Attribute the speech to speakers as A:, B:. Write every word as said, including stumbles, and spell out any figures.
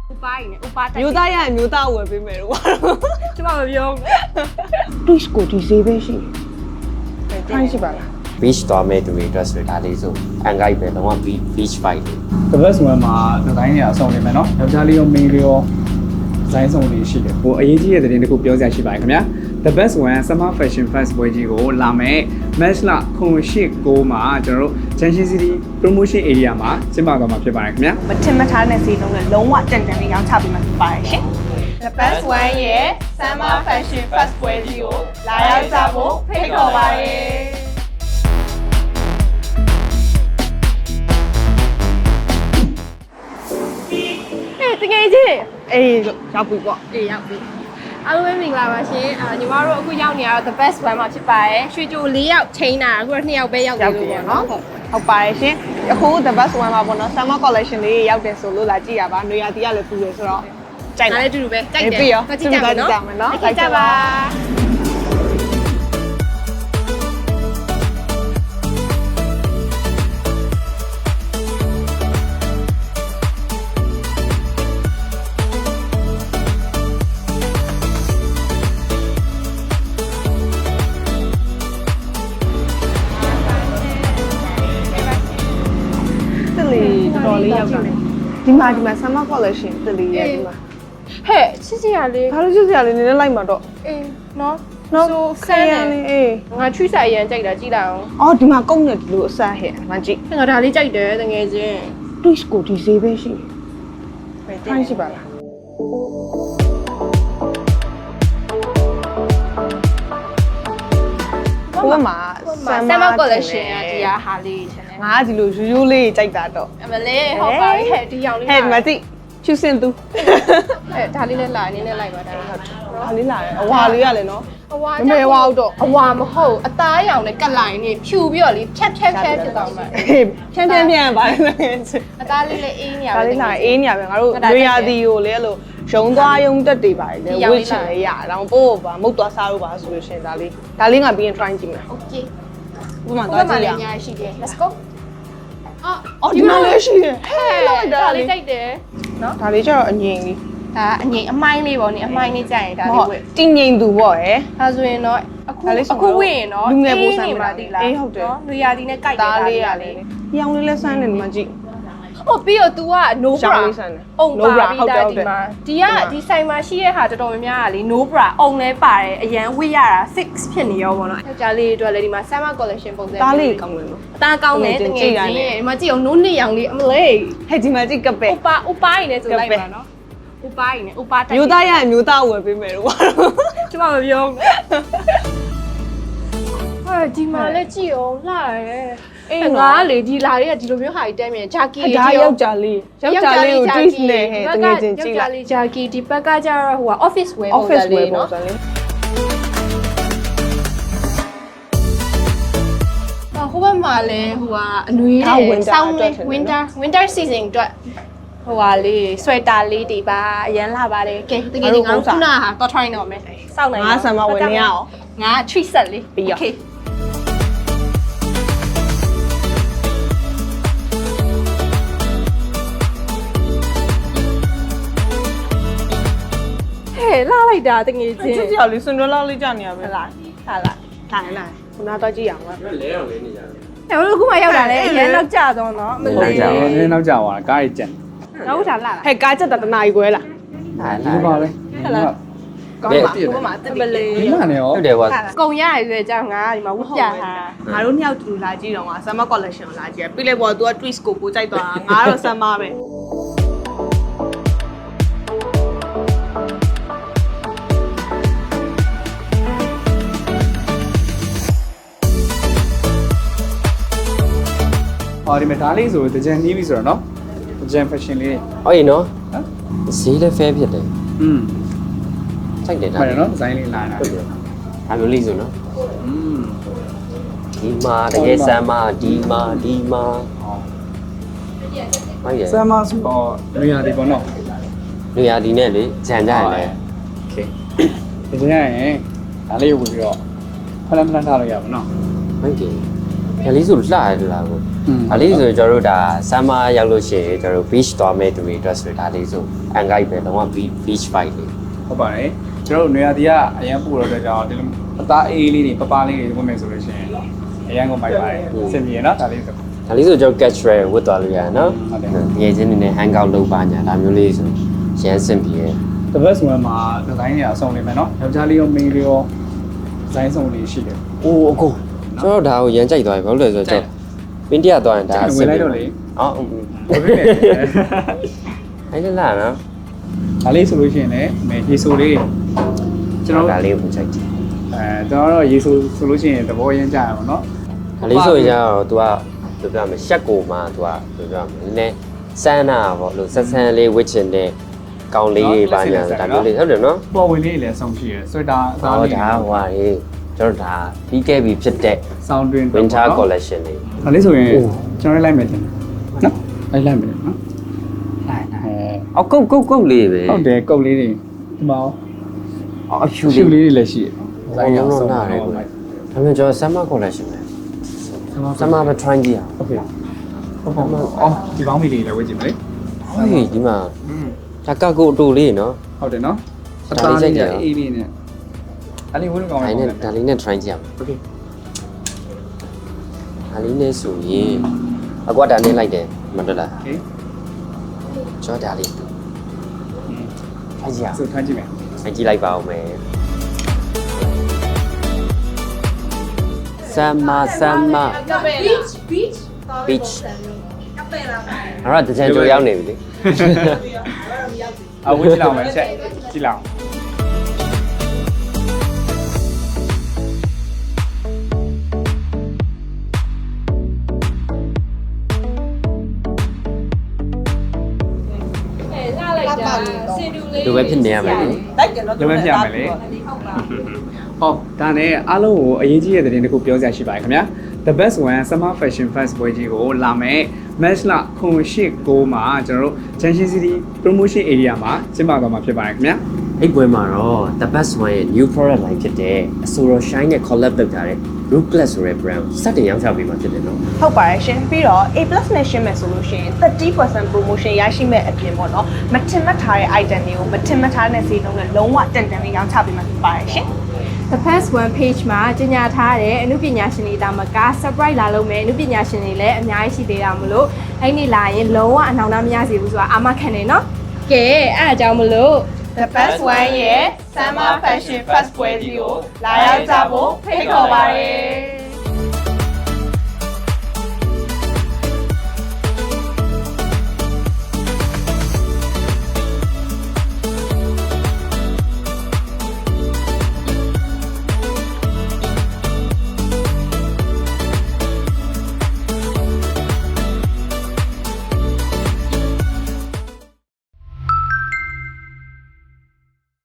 A: ဥပါရင်ဥပါတိုက်
B: မျိုးသားရရင်မျိုးသားဝယ်ပေးမယ်လို့ပါတော့
A: ကျမမပြော
B: Twitch ကိုဒီဈေးပဲရှိတယ်ခိုင်းရှိပါလား
C: beach သွားမဲ့သူတွေအတွက်ဆိုဒါလေးဆိုအန်ဂိုက်ပဲလုံးဝ beach fight တွေ
D: The best one မှာဒီဇိုင်းတွေအဆုံးနေမယ်နော်ယောက်ျားလေးရောမိန်းလေးရောဒီဇိုင်းဆုံးလေးရှိတယ်ဟိုအရေးကြီးတဲ့သတင်းတစ်ခုပြောစရာရှိပါတယ်ခင်ဗျာ The best one summer fashion fest ပွဲကြီးကိုလာမယ် March လခုနှစ်ရှစ်ကိုမှာကျွန်တော်တို့ Junction City promotion area မှာကျင်းပသွားမှာဖြစ်ပါတယ်ခင်ဗျာ
B: မထင်မထားတဲ့ဈေးနှုန်းနဲ့လုံးဝတန်တန်လေးရောင်းချပေးမှာဖြစ်ပါတယ်ရှင်
A: The best one ရဲ့ Summer Fashion Fest ပွဲကြီးကိုလာရောက်ကြဖို့ဖိတ်ခေါ်ပါတယ်တကယ်ကြီး
B: အေးရောက်ပြီပေါ့
A: အေးရောက်ပြီအားလုံးပဲမင်္ဂလာပါရှင်အာညီမတို့အခုရောက်နေရတော့ the best one မှာဖြစ်ပါတယ်ရွှေကြို၄ယောက်ချိန်တာအခုတော့၂ယောက်ပဲရောက်နေလို့ပေါ့နော်
B: ဟုတ်ပါတယ်ရှင်အခု the best one မှာပေါ့နော် summer collection လေးရောက်တယ်ဆိုလို့လာကြည့်ရပါနွေရာသီကလည်းပူတယ်ဆိုတော့ကြိုက်
A: ဒါ
B: လား
A: လည်းအတူတူပဲကြိုက်တယ်
B: ပြီးရော
A: ကြည့်ကြမယ်နော်
B: ကြည့်ကြမယ်နော်
A: ကြည့်ကြပါ
B: တလီတော်တော်လေးရောက်တာဒီမှာဒီမှာ summer collection တလီရဲ့ဒီမှာ
A: ဟဲ့ချစ်စရာလေး
B: ဘာလို့ချစ်စရာလေးနည်းနည်းလိုက်မှာတော့
A: အေးနော်
B: နော်
A: ဆို
B: ခ
A: ဆန်း
B: ရ
A: တယ်
B: လေးအေး
A: ငါချွိစာရန်ကြိုက်တာကြည့်လိုက်အောင်
B: အော်ဒီမှာကုန်းနေတယ်လို့အစားဟဲ့မကြည့်
A: ငါဒါလေးကြိုက်တယ်တကယ်ချင်း
B: Twitch ကိုဒီဈေးပဲရှိတယ်ခိုင်းရှိပါလားဟိုမှာ
A: Summer collection อ่ะဒီဟာဟာလေးရှင်နေ
B: ငါကဒီလိုရိုးရိုးလေးကြိုက်တာတော့
A: အမလေးဟုတ်ပါပြီဟဲ့ဒီရောင်လေး
B: ဟဲ့မကြည့်ချူစင်သူ
A: ဟဲ့ဒါလေးလည်းလာနေနဲ့လိုက်ပါဒါဟုတ်
B: ဟာလေးလာတယ်အဝါလေးရလဲနော်
A: အဝါ
B: မမေဝါတော့
A: အဝါမဟုတ်အသားရောင်နဲ့ကတ်လိုက်နေဖြူပြီးတော့လေဖြတ်ဖြတ်ဖြတ်ဖြစ်သွားမှာ
B: အေးဖြန်းဖြန်းဖြန်းပါလေ
A: အသားလေးလည်းအေးနေရ
B: ဒါလေးလာအေးနေရပဲငါတို့ရွေရာသီကိုလေအဲ့လိုရုံသွားရုံတက်တွေပါတယ်လေဝစ်ချင်လေရအောင်ပို့ပါမုတ်သွားစားလို့ပါဆိုလို့ရှင်ဒါလေးဒါလေးငါပြီးရင် try ကြည့်မယ်
A: โอเค
B: ဥပမာ
A: ဘာ
B: သွား
A: မှ
B: ကြည့်ရ
A: လည်း
B: အောင်
A: ညာရှိတယ် let's go အော်
B: အော်ဒီမှာလည်းရှိတယ်ဟဲ့လောက်တာ
A: ဒါ
B: လေး
A: လေးကြိုက်တယ်နော်
B: ဒါလေးကျတော့အငြိမ်လေး
A: ဒါအငိမ်အမိုင်းလေးပေါ့နိအမိုင်းလေးကြိုက်ရင်ဒါ
B: ဟု
A: လေး
B: တ်
A: ဝယ်
B: တင်းငြိမ်သူပေါ့ရယ်
A: ဒါဆိုရင်တော့အခု
B: ဒါလေးဆို
A: အခုဝယ်ရင်တော့
B: လူငယ်ပိုစံ
A: အေးနေ
B: ပါ
A: ပါ
B: တိ
A: တိ
B: လား
A: လား
B: အေးဟုတ်တယ်
A: နော်လူရာဒီနဲ့ကြိုက်တယ်
B: ဒါ
A: ဒါ
B: လေး
A: လေး
B: ရ
A: ရ
B: လေ
A: လေ
B: ရောင်လေးလဲစမ်းတယ်ဒီမှာကြည့်
A: ဟိုပြီးတော့ तू က no
B: ရှော
A: bra
B: င်းလေးစမ်းတယ်
A: အုံ
B: No
A: ပါ
B: bra
A: ပြီးသား
B: ဟုတ်တယ်
A: ဒီမှာ
B: ဟုတ်တယ်
A: ဒီကဒီဆိုင်မှာရှိတဲ့ဟာတော်တော်များများကလေ no bra အုံလဲပါတယ်အရန်ဝိရတာ six ဖြစ်နေရောပေါ့နော်ယောက်ျားလေးတွေအတွက်လည်းဒီမှာ summer collection ပုံစံ
B: ဒါလေးကောင်းတယ်နော်
A: အသားကောင်းတယ်တကယ်ကြီးဒီမှာကြည့်အောင်နိုးနှစ်ရောင်လေးအမလေး
B: ဟဲ့ဒီမှာကြည့်ကပဲ
A: ဥပါဥပါရင်လည်းဆိုလိုက်ပါနော်ဥပါရင်လည်းဥပါတိုက်
B: မျိုးသားရရင်မျိုးသားဝယ်ပေးမယ်လို့ပါတော့
A: ကျမမပြောဟာဒီမှာလည်းကြည့်အောင်လှရဲအဲ့ငါလေဒီလာတွေကဒီလိုမျိုးဟာကြီးတဲမြင်ဂျာကီ
B: အဒါယောက်ျားလေးယောက်ျားလေးကို twist နဲ့ဟဲ့တကယ်ချင်းကြည့်လိုက်
A: ယောက်ျားလေးဂျာကီဒီဘက်ကကျတော့ဟိုက office wear ပုံစံ
B: office wear
A: လေး
B: ပုံ
A: နော်
B: စံလေး
A: ဟိုဘက်မှာလည်းဟိုကအနွေး
B: ဒါ
A: တဲ့
B: winter
A: ဆောင်း
B: အတွက်
A: လေး
B: ထင်တယ်
A: winter winter season အတွက်ဟိုဟာလေး sweater လေးတွေပါအရန်လာပါတယ်ကဲတကယ်ကြီးငါတို့ခုနကဟာတော့ try တော့မယ်စောင့်နိုင်
B: ငါဆံမဝင်နေရအောင်
A: ငါ treat set လေး
B: ပြီးရော
A: okay ဟဲ့လာလိုက်တာတကယ်ချင်း
B: ချစ်စရာလေးစွန်တွဲလောက်လေးကြာနေရပဲ
A: ဟလာဟာလာ
B: ထိုင်လာခုနတော့ကြည့်ရအောင်ပါ
C: လဲတော့လဲနေကြတယ်
A: ။ဟဲ့ဘယ်လိုခုမှရောက်တာလဲအရင်တော့ကြာတော့နော်မ
C: ဟုတ်
A: လေး
C: ကြပါဘူး
D: နည်းနည်းနောက်ကျသွားတာကားကြီးကျန်
A: ။တော့ဒါလာလား
B: ဟဲ့ကားချက်တာတနာကြီးခွဲလား
C: ဟာ
D: ဒီ
C: လာ
D: ပါလေ
B: ဟုတ်လားကောင်းပါဘုမမတ
A: မ
B: မလေး
A: လေး
D: ဒီမှာနေရော
C: ဟုတ်တယ်ကွာ
A: ။ကုံရရရွယ်ကြောင်းငါဒီမှာဝတ်ပြတာ
B: ငါတို့နှစ်ယောက်တူလာကြည့်တော့ငါ summer collection ကိုလာကြည့်ပြီးလိုက်ပေါ် तू က twist ကိုပိုကြိုက်သွားတာငါတော့ summer ပဲ
D: ဟောဒီမှာဒါလေးဆိုတကြံနီးပြီဆိုတော့နော်တကြံ fashion လေး
C: ဟုတ်ရင်နော်
D: ဟမ်
C: ဈေးလည်း fair ဖြစ်တယ်
D: อืม
C: စိုက်တယ်ဒါ
D: ဟုတ်တယ်နော်ဒီဇိုင်းလေးလာတာ
C: ဟုတ်တယ်အမျိုးလေးဆိုနော်
D: อืม
C: ဒီမှာတကယ်ဆမ်းမဒီမှာဒီမှာ
D: ဟော
C: ဟုတ်ရဲ့
D: ဆမ်မဆိုတော့နေရာဒီပေါ့နော်
C: နေရာဒီနဲ့လေဂျန်ကြရလေ
D: โอเคဒီကြံရင်ဒါလေးဝင်ပြီးတော့ဖလန်ဖလန်ထားလို့ရပါနော်
C: ဟုတ်တယ်ဒါလေးဆိုလှရတယ်လားကိုဒါလေးဆိုကျွန်တော်တို့ဒါဆမ်းမရောက်လို့ရှိရင်ကျွန်တော်တို့ beach သွားမဲ့သူတွေအတွက်ဆိုဒါလေးဆိုအန်ဂိုက်ပဲလုံးဝ beach fight လေး
D: ဟုတ်ပါတယ်ကျွန်တော်တို့နေရာတီကအရန်ပူတော့တဲ့ကြောင့်ဒီလိုအသားအေးလေးတွေပပလေးတွေဝင်မယ်ဆိုလို့ရှိရင်အရန်ကိုမိုက်ပါတယ်စင်ပြေနော်ဒါလေးဆို
C: ဒါလေးဆိုကျွန်တော် catch trail ဝတ်သွားလို့ရတယ်နော်ငယ်ချင်းနေနဲ့ hang out လုပ်ပါညာဒါမျိုးလေးဆိုရမ်းစင်ပြေ
D: the best one မှာဒီဇိုင်းတွေအဆုံးနေမယ်နော်ယောက်ျားလေးရောမိန်းလေးရောဒီဇိုင်းဆုံးလေးရှိတယ်
C: အိုးအကိုကျွန်တော်ဒါကိုရမ်းကြိုက်သွားပြီဘာလို့လဲဆိုတော့ပင်တရသွားရင်ဒါအဆင်ပြေအော်
D: ဟုတ်ပြီလေ
C: အဲ့ဒါလားနော်
D: ဒါလေးဆိုလို့ရှိရင်လည်းမဲရေဆိုလေးကျွန်တော်
C: ဒါလေးကိုကြိုက်တယ်
D: အဲကျွန်တော်တော့ရေဆိုဆိုလို့ရှိရင်သဘောရမ်းကြရအောင်နော်
C: ဒါလေးဆိုရင်တော့ तू ကဘယ်ပြောမလဲရှက်ကိုမှ तू ကဘယ်ပြောမလဲနည်းနည်းစမ်းတာပေါ့လို့ဆက်ဆန်းလေးဝစ်ချင်တဲ့ကောင်းလေးတွေပါညာဒါမျိုးလေးဟုတ်တယ်နော်
D: ပေါ်ဝင်လေးလည်းဆုံးရှိရယ်ဆွေတာအသား
C: ဟော
D: လေး
C: ဒါဟွာလေကျွန်တော်ဒါပြီးခဲ့ပြီဖြစ်တဲ့
D: ဆောင်းတွင်
C: winter collection လေး
D: ဒါလေးဆိုရင်ကျွန်တော်လိုက်မယ်တင်နော်လိုက်လိုက်မယ်နော်လိုက်အဲ
C: အော်ကုတ်ကုတ်ကုတ်လေးပဲ
D: ဟုတ်တယ်ကုတ်လေးတွေဒီမှာ
C: အော်အဖြူ
D: ရှူ
C: လေး
D: လေးတွေလည်းရှိတယ်ဇိုင်းရောဆုံးတာလည်း
C: ဒါမျိုးကျွန်တော် summer collection ပဲ summer ပဲ try ကြည့်အောင်
D: โอเคဟုတ်ပါဘူးအော်ဒီပေါင်းမီလေးလည်းဝေ့ကြည့်မလဲ
C: ဟေးဒီမှာဒါကကုတ်အတူလေးနော်
D: ဟုတ်တယ်နော်
C: ဒါလေးစိတ်တယ်
D: အေးလေးနဲ့အဲ့ဒီဝင်းကောင်း
C: ဒါ
D: လေး
C: နဲ့
D: နဲ့
C: ဒါလေးနဲ့ try ကြည့်အောင်
D: โอเค
C: ဒါလေးနဲ့ဆိုရင်အကွာဒါနဲ့လိုက်တယ်မတော်လား
D: โอเค
C: ကျွန်တော်ဒါလေးထိုင်ကြည့်အောင်
D: ဆိုထားကြည့်မယ်
C: ထိုင်ကြည့်လိုက်ပါဦးမယ်ဆမ်မာဆမ်မာ
A: beach beach
C: beach အဲ့တော့တကြံကြိုရောက်နေပြီလေ
D: အဝေးကြည့်လောက်မယ်ချက်ကြည့်လောက်
C: လူပဲဖြစ်နေရမယ်လေ
B: တိုက်တယ်နော်
D: ဒီမဲ့ပြမယ်လေဟောဒါနဲ့အားလုံးကိုအရေးကြီးတဲ့သတင်းတစ်ခုပြောစရာရှိပါတယ်ခင်ဗျာ The Best One Summer Fashion Fest ပွဲကြီးကိုလာမယ် March လခုနှစ်ရှစ်ကိုမှာကျွန်တော်တို့ Junction City Promotion Area မှာကျင်းပသွားမှာဖြစ်ပါတယ်ခင်ဗျာ
C: အဲ့ပွဲမှာတော့ The Best One ရဲ့ new product line ဖြစ်တဲ့ Asoro Shine နဲ့ collab လုပ်ထားတဲ့ Rootless ဆိုတဲ့ brand စတင်ရောင်းချပေးမှာဖြစ်တယ်နော်
B: ဟုတ်ပါတယ်ရှင်ပြီးတော့ A+ နဲ့ရှင်းမယ်ဆိုလို့ရှိရင်thirty percent promotion ရရှိမဲ့အပြင်ပေါ့နော်မထင်မှတ်ထားတဲ့ item တွေကိုမထင်မှတ်ထားတဲ့ဈေးနှုန်းနဲ့လုံးဝတန်တန်လေးရောင်းချပေးမှာဖြစ်ပါတယ်ရှင်
A: The First One page မှာကြီးညာထားတဲ့အမှုပညာရှင်တွေတာမက surprise လာလုပ်မယ်အမှုပညာရှင်တွေလည်းအများကြီးရှိသေးတာမလို့အဲ့ဒီလာရင်လုံးဝအနှောင်နှမရစေဘူးဆိုတာအာမခံနေနော်ကဲအဲ့အကြောင်းမလို့
B: The Best One ရဲ့ Summer Fashion Fest ပွဲကြီးကိုလာရောက်ကြဖို့ဖိတ်ခေါ်ပါတယ်